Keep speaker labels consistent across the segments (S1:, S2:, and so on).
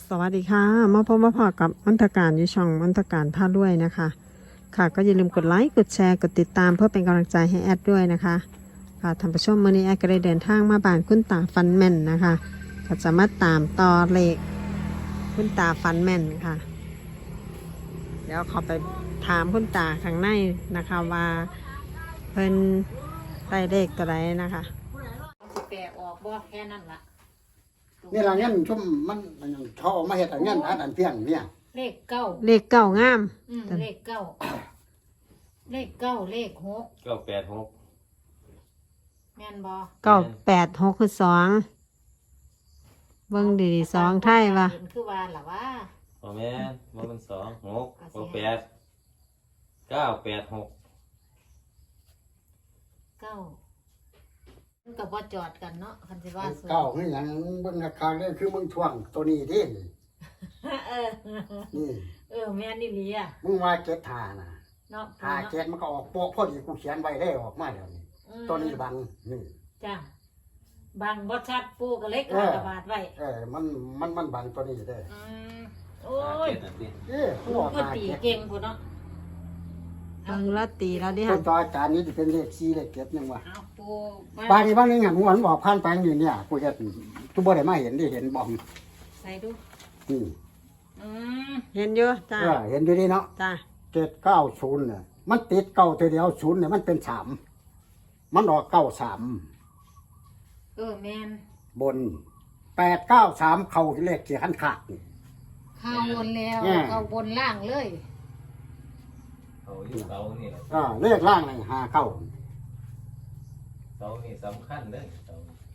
S1: สวัสดีค่ะมาพบมาพอกับมนตการอยู่ช่องมนตการพาด้วยนะคะค่ะก็อย่าลืมกดไลค์กดแชร์กดติดตามเพื่อเป็นกำลังใจให้แอดด้วยนะคะค่ะท่านผู้ชมวันนี้แอดก็ได้เดินทางมาบ้านคุณตาฟันแม่นนะคะก็จะมาตามต่อเลขคุณตาฟันแม่นค่ะเดี๋ยวขอไปถามคุณตาข้างในนะคะว่าเพิ่นได้เลขตัวใดนะคะ
S2: สิแปลออกบ่แค่นั้นล่ะ
S3: นี่ละเงี้ยชุ่มมันเขาเอามาเห็ดอันเงี้ยอันเพียงเนี่ย
S2: เลขเก้า
S1: เลขเก้างาม
S2: เลขเก้าเลขเก้าเลขหก
S4: 986
S2: แม่นบ่
S1: 986คือ2เบิ่งดีๆ2ไทยว่ะ
S2: เห็นคือว่าล่ะว่า
S4: บ่แม่นบ่มัน2 6บ่8 986
S2: เก้ามันก็บ่จอดกันเนาะคันสิว่า
S3: เก้าคืออย่างเบิ่งราคาเนี่ยคือมึงท่วงตัวนี้ดิ
S2: เออ
S3: นี่
S2: แม่นอีหลีอ่ะ
S3: มึงว่าเจ็ดหานะ
S2: เนาะ
S3: หาเจ็ดมันก็ออกโป๊ะพอดีกูเขียนไว้ได้ออกมาแล้วนี่ตัวนี้บังนี่
S2: จ้ะบางบ่ชัดปูก็เล็กกระบาดไว้
S3: มันบังตัวนี้ได้
S2: โอ้ย
S3: ผู้ออกมา
S2: ตีเก่งพุ่นเนาะ
S1: เบิ่งแล้วตีแล้วดิ
S3: ต้
S1: ค่ะ
S3: นต่อจานนี้จะเป็นเลข4เลข7นึงว่ะ
S2: เอาปู
S3: บ้านนี้บ้านนึงหันหัวมันบอกผ่านไปอยู่เนี่ยกูเฮ็ดกูบ่ได้มาเห็นได้เห็นบ่
S2: ใส่ดู
S3: นี่
S1: เห็นอยู่จ้า
S3: เห็นอยู่ดีเนาะ
S1: จ้า
S3: 790เนี่ยมันติดเก้าตัวเดียว0เนี่ยมันเป็น3มันออก93
S2: แม่น
S3: บน893เข้าเลขที่คันขาดนี่
S2: เข้าบนแล้วเข้าบนล่างเลย
S4: เอาอยู่เสานี่แหละ
S3: เลขล่างนี่5เข้า
S4: เสานี่สำคัญเด้อเสา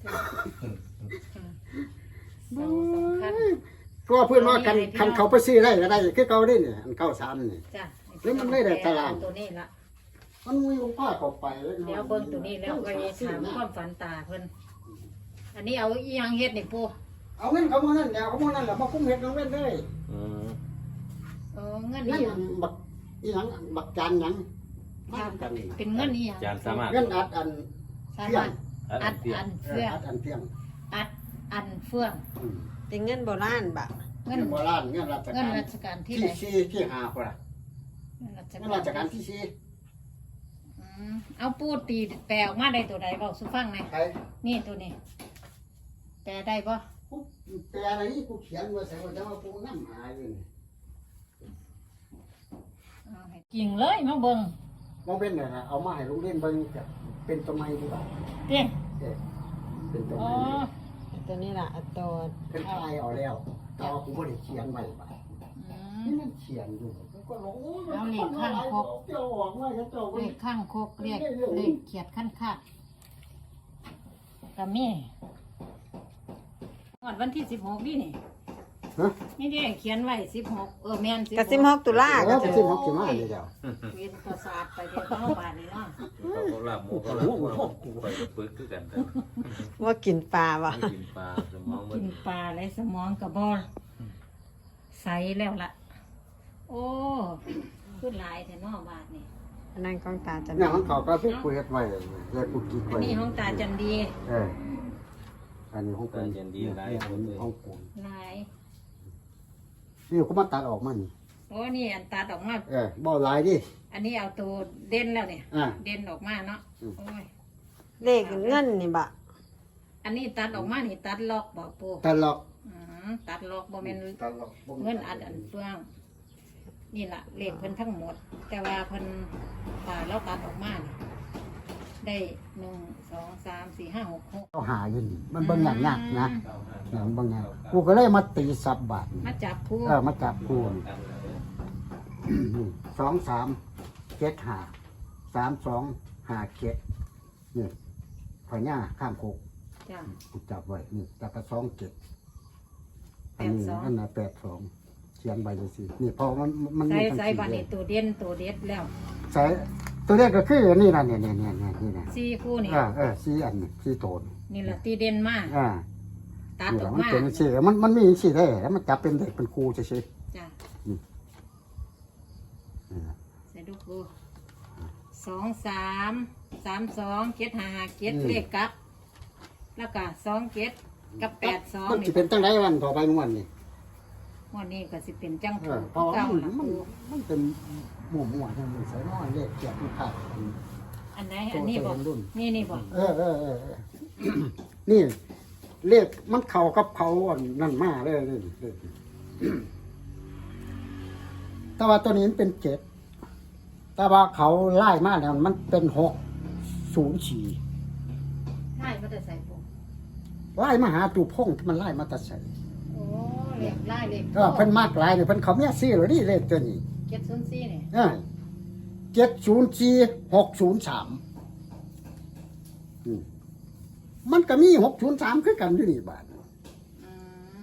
S2: สำคัญ
S3: ก็เพื่อนว่าคันเขาไปซื้อได้ก็ได้คือเก่าได้เนี่ยอัน93นี่
S2: จ้ะ
S3: หรือมันไม่ได้ตาราง
S2: ตัวนี้ละ
S3: มันมีองค์ผ้าเข้าไป
S2: เดี๋ยวเบิ่งตัวนี้แล้วก็ถามความฝันตาเพิ่นอันนี้เอาอีหยังเฮ็ดนี่ปู่
S3: เอาเงินเขามานั่นแล้วเขามานั่นแล้วมาคุ้มเฮ็ดน้องเว้นเลย
S2: เงิน
S3: นี่บักอีหยังบักจานหยัง
S2: เป็นเงินอีหยัง
S4: จานสามารถ
S3: เงินอัด
S2: สามารถอัดเฟื่องอัดเฟื่อง
S1: เป็นเงินโบราณบะ
S3: เงินโบราณเงินราชการ
S2: ที่
S3: ที่5พุ่นล่ะเงินราชการที่
S2: เอาปูตีแปลออกมาได้ตัวใดเว้าสู่ฟังหน่อยนี่ตัวนี้แปลได้บ่
S3: แปลอะไรนี่กูเขียนไว้ใส่ไว้แต่ว่ากูนำหาอยู่นี่
S2: จริงเลยมาเบิ่ง
S3: บ่เป็นน่ะเอามาให้โรงเรียนเบิ่งก็เป็นตัวใหม่ดีกว่า
S2: เด้
S3: เป็นตัวใหม่
S1: ตัวนี้ล่ะตัว
S3: เพิ่นทายเอาแล้วแต่ว่ากูบ่ได้เขียนไว้บ่นี่มันเขียนอยู่ก็รู้
S2: เอาเลขข้างคกเลขข้างคกเลขเขียดขั้นคาดก็มีวันที่16นี่นี่ดิเขียนไว้16แม่น
S1: 16กับ16ตุลา
S3: ก็16สิมาเดี๋ยว
S2: เวียนประสาทไปเดี๋ยวเข้าบ้านนี่เนาะ
S4: เขาลาบหมูเขาลาบไปปึกคือกัน
S1: ว่ากินปลาบ่
S4: กินปลาสมอง
S2: กินปลาอะไรสมองก็บ่ใสแล้วล่ะโอ้ขึ้นหลายแต่นอกบ้านนี่
S1: อันนั้นของตาจัน
S3: เนี่ยมันเขาก็สิคุยกันไว้แล้วกูกินไว้
S2: อันนี้ของตาจันดี
S3: อันนี้ของ
S4: ตาจันดีหลายคนเลย
S3: ของกู
S2: หลาย
S3: นี่กูมาตัดออกมานี่
S2: โอ้นี่อันตัดออกมา
S3: บ่หลายดิ
S2: อันนี้เอาตัวเด่นแล้วเนี่ยเด่นออกมาเนาะโอ้ย
S1: เลขเงินนี่บะ
S2: อันนี้ตัดออกมานี่ตัดล็อกบ่ปู่
S3: ตัดล็อก
S2: ตัดล็อกบ่แม่นเงินอันเฟืองนี่ล่ะเลขเพิ่นทั้งหมดแต่ว่าเพิ่นเราตัดออกมาได้1 2 3 4 5 6 6
S3: เขาหาอยู่นี่มันเบิ่งยากนะเบิ่งยากกูก็เลยมาตีสับบาท
S2: มาจับคู่
S3: มาจับคู่2 3 7 5 3 2 5 7นี่พญาข้ามโคก
S2: จ้ะ
S3: กูจับไว้นี่จับกับ2 7อันนี้อันน่ะ82เขียนใบจังซี่นี่พอมัน
S2: ใส่บัดนี้ตัวเด่นตัวเด็ดแล้ว
S3: ใส่ตัวเด็ดก็คือนี่ล่ะนี่นะ
S2: 4คู่นี่
S3: 4อันนี่4โตน
S2: นี่ล่ะตีเด่นมากตัดออกมา
S3: มันเป็นสิมันมีสิได้แล้วมันจับเป็นเด็กเป็นครูซื่อ
S2: ๆจ้ะใส่ดูครู2 3 3 2 7 5 5 7เลขกลับแล้วก็2 7กับ8 2
S3: มันสิเป็นจังได๋วันต่อไปมื้อนี้
S2: วันนี้ก็สิเป็นจัง
S3: เอ
S2: ถู
S3: อก เพราะว่า
S2: เก่า
S3: มัน
S2: ล่ะ
S3: มัน
S2: ปู
S3: มันเป็นหมู่ทางนี้ใส่น้อยเลขเกียรติภาพ
S2: อันไหนอันนี้บ่นี่บ่
S3: เออ นี่เลขมันเข้ากับเขาอันนั่นมาเลยนี่เลขแต่ว่าตัวนี้มันเป็น7แต่ว่าเขาไล่มาแล้วมันเป็น604
S2: ไล่มาแต่ใส่ปู
S3: ไล่มาหาตูพงที่มันไล่มาแตัดใส่
S2: โอ้เหล็กไล่เหล็ก
S3: เพิ่นมากหลายเนี่ยเพิ่นเขาเมียซื้อแล้วนี่เลขตัวนี้
S2: 704นี่
S3: 704-603มันก็มี603คือกันอยู่นี่บาท
S2: อืม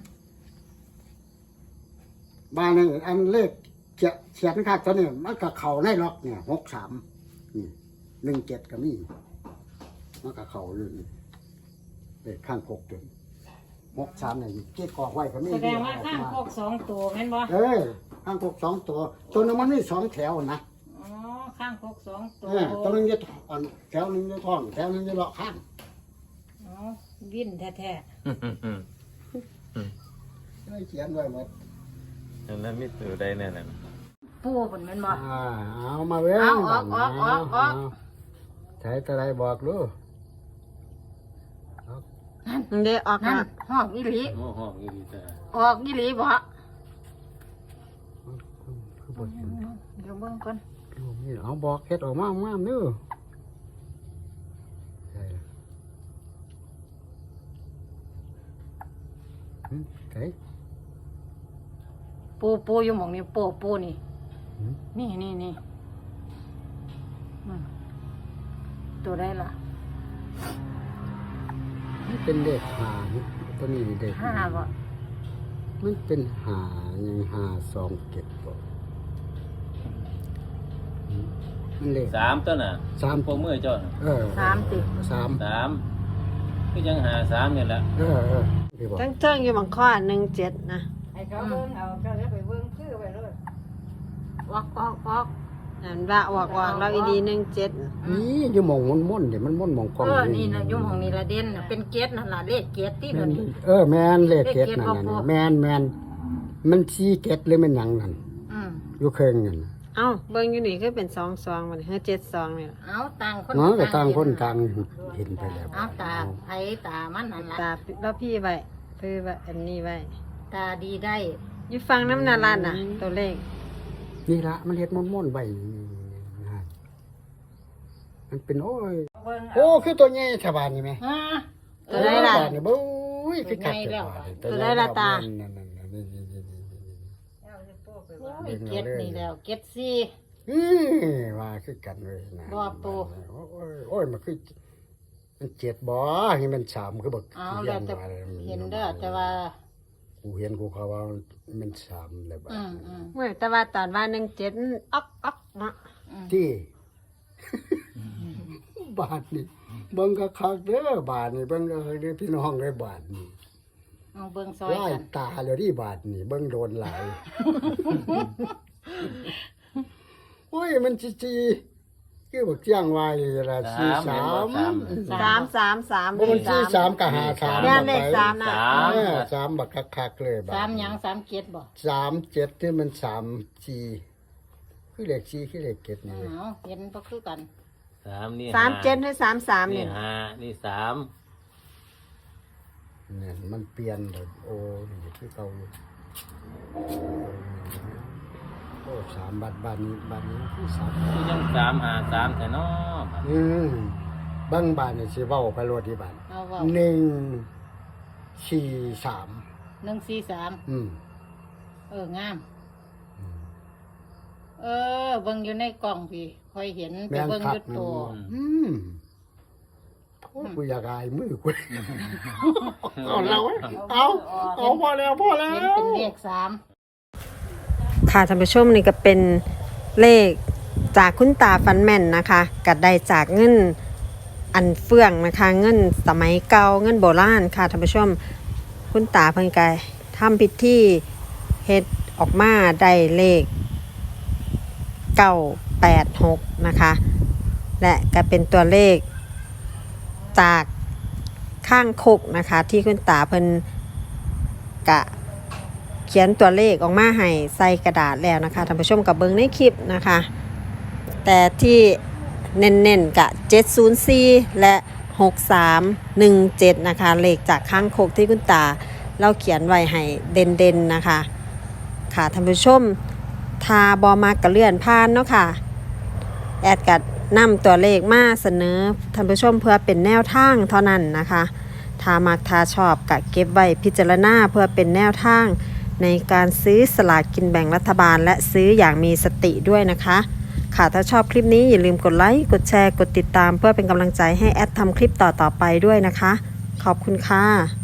S3: บาทนี่อันเลขเขียนคักตัวนี้มันก็เข้าในล็อกเนี่ย63นี่17ก็มีมันก็เข้าอยู่นี่เลขข้าง6ตัว63นี่เก็บกอกไว้ก็มี
S2: แสดงว่าข้างโคก2ตัวแม่นบ่
S3: ข้าง6 2ตัวตัวนึงมันมี2แถวนะ
S2: อ๋อข้างโคก2ตัว
S3: ตัวนึงจะแถวนึงจะท้องแถวนึงจะเลาะข้าง
S2: อ๋อวินแท้
S3: ได้เขียนไว้หมด
S4: แล้วมีตัวใดแน่น่ะ
S2: ๆปูเพิ่นแม่นบ่
S3: เอามาเว้ย
S2: เอาออก
S3: ใช้ตัวไรบอกลูก
S1: มันได้ออก
S2: นั่น
S1: มา
S2: ห้องอีหลี
S4: โอ้ห้องอีหลีจ้ะ
S2: ออกอีหลีบ่
S3: คือบทเห็น
S2: เดี๋ยวเบิ่งก่อน
S3: ลูกนี่เอาบอกเฮ็ดออกมางามเด้อใช่ไก่
S2: ปูอยู่หม่องนี้ปูนี่นี่ตัวได้ล่ะ
S3: มันเป็นเด็กหาตัวนี้เด็ก
S2: 5บ่
S3: มันเป็นหายังหา2 7บ่มันเลข
S4: 3ตัวน่ะ
S3: 3
S4: พวกมือเจ้าน่ะ
S2: 3ติ
S3: 3
S4: 3คือยังหา3นี่แหละ
S3: ที่บอก
S1: เทิงๆอยู่บางข้อ17นะ
S2: ให้เขาเบิ่งเอาก็เลยไปเบิ่งคือไปเลยออก
S1: นั่นว่าออกแล้วอีดี17
S3: นี่อยู่หมองม่นๆเดี๋ยวมันม่นหมองกอง
S2: นี่นะยุ่งของนี่ละเด่นน่ะเป็นเกตนั่นล่ะเลขเกตที่เดี๋ยวนี้
S3: แมนเลขเกต
S2: เลขเกต
S3: นั่น
S2: บ่พอ
S3: น่ะแมนมันชี้เกตหรือมันหยังนั่น
S2: อืม
S3: อยู่เครื่องนั่น
S1: เอ้าเบิ่งอยู่นี่คือเป็น22มันคือ72นี่ล่ะ
S2: เอาต่างคน
S3: เนาะก็ต่างคน
S2: เห็
S3: ต่างเห็นไปแล้ว
S2: เอาตาไผตามันนั่นล่ะ
S1: ตาแล้วพี่ไว้คือว่าอันนี้ไว้
S2: ตาดีได้
S1: อยู่ฟังน้ำนาลานน่ะ ตัวเลข
S3: นี่ละมันเฮ็ดม่นๆไว้มันเป็นโอ้คือตัวใหญ่ชาวบ้านนี่แม่
S2: ฮะ
S1: ตัวใดล่ะ
S3: นี่บุ้ยคือกัด
S1: ตัวใดล่ะตา
S3: นั่น
S2: โอ้ยเกตนี่แล้วเกตซี่
S3: ว่าคือกันเลยนะ
S2: บ่ปู
S3: โอ้ยมันคือมัน7บ่นี่มัน3คือบัก
S2: เอาแล้วแต่เห็นเด้อแต่ว่า
S3: กูเห็นกูเขาว่ามัน3เลยบ่
S1: เมื่อแต่ว่าตอนว่า17อ๊อกเนาะ
S3: ที่ บาทนี่เบิ่งก็คักเด้อบาทนี่เบิ่งก็เด้อพี่น้องเด้อบาทนี่
S2: เอาเบิ่งซอย
S3: ไล่
S2: กัน
S3: ตาเลยที่บาทนี่เบิ่งโดนหลาย โอ้ยมันจีคือบักเจียงไว้ล่ะ
S1: 333
S3: บ่มัน43กับ53
S1: แม่นเลข3น่ะ
S3: 3บักคักๆเลยบาท
S2: 3หยัง3เกตบ่
S3: 37ที่มัน3 4คือเลข4คือเลข7นี่
S2: เอาเห็นบ่คือกัน
S4: 3นี่
S1: 37หรือ33
S4: นี่
S1: นี่
S4: 5นี่3
S3: เนี่ยมันเปลี่ยนเลยโอ้นี่คือเก่าอยู่โอ้3บาทนี้คือ3
S4: คือยัง3 5 3แต่เนาะ
S3: บางบ้านนี่สิเว้าไปโลดที่บ้าน
S2: เอาเว้า
S3: 143
S2: 143งามเบิ่งอยู่ในกล่องพี่ค่อยเห็นไป
S3: แม่น
S2: เบิ่ง
S3: คั
S2: อก ยู่ตัว
S3: โอ้ยกูอยากอายมือกูเอาแล้วเอาพอแล้ว
S2: เห็นเป็นเลข3
S1: ค่ะท่านผู้ชมนี่ก็เป็นเลขจากคุณตาฟันแม่นนะคะกัดได้จากเงินอันเฟื่องนะคะเงินสมัยเก่าเงินโบราณค่ะท่านผู้ชมคุณตาเพิ่นก็ทำพิธีเฮ็ดออกมาได้เลข986นะคะและก็เป็นตัวเลขจากข้างคกนะคะที่คุณตาเพิ่นกะขียนตัวเลขออกมาให้ใส่กระดาษแล้วนะคะท่านผู้ชมกับเบิ้งในคลิปนะคะ แต่ที่เน้นๆกับ704และ6317นะคะเลขจากข้างโคกที่คุณตาเราเขียนไว้ให้เด่นๆนะคะค่ะท่านผู้ชมทาบอมากกระเลื่อนผ่านเนาะค่ะแอดกัดนำตัวเลขมาเสนอท่านผู้ชมเพื่อเป็นแนวทางเท่านั้นนะคะถ้ามักถ้าชอบกะเก็บไว้พิจารณาเพื่อเป็นแนวทางในการซื้อสลากกินแบ่งรัฐบาลและซื้ออย่างมีสติด้วยนะคะค่ะถ้าชอบคลิปนี้อย่าลืมกดไลค์กดแชร์กดติดตามเพื่อเป็นกำลังใจให้แอดทำคลิปต่อๆไปด้วยนะคะขอบคุณค่ะ